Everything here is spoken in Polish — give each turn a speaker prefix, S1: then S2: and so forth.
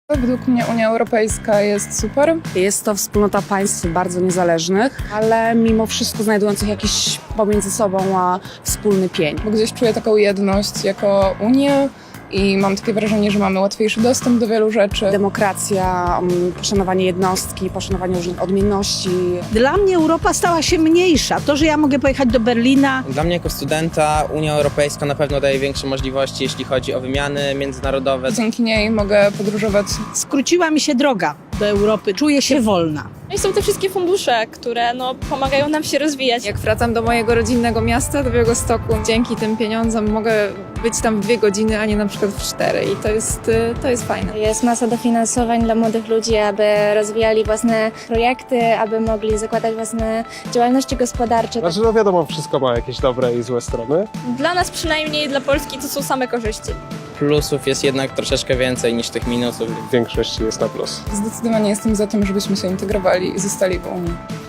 S1: Według mnie Unia Europejska jest super.
S2: Jest to wspólnota państw bardzo niezależnych, ale mimo wszystko znajdujących jakiś pomiędzy sobą wspólny pień.
S1: Bo gdzieś czuję taką jedność jako Unię i mam takie wrażenie, że mamy łatwiejszy dostęp do wielu rzeczy.
S2: Demokracja, poszanowanie jednostki, poszanowanie różnych odmienności.
S3: Dla mnie Europa stała się mniejsza. To, że ja mogę pojechać do Berlina.
S4: Dla mnie jako studenta Unia Europejska na pewno daje większe możliwości, jeśli chodzi o wymiany międzynarodowe.
S1: Dzięki niej mogę podróżować.
S3: Skróciła mi się droga do Europy. Czuję się wolna.
S5: No i są te wszystkie fundusze, które pomagają nam się rozwijać.
S6: Jak wracam do mojego rodzinnego miasta, do Białegostoku, dzięki tym pieniądzom mogę być tam w 2 godziny, a nie na przykład w 4 i to jest fajne.
S7: Jest masa dofinansowań dla młodych ludzi, aby rozwijali własne projekty, aby mogli zakładać własne działalności gospodarcze.
S8: Znaczy, no wiadomo, wszystko ma jakieś dobre i złe strony.
S5: Dla nas przynajmniej, dla Polski, to są same korzyści.
S4: Plusów jest jednak troszeczkę więcej niż tych minusów.
S8: W większości jest na plus.
S1: Zdecydowanie jestem za tym, żebyśmy się integrowali i zostali w Unii.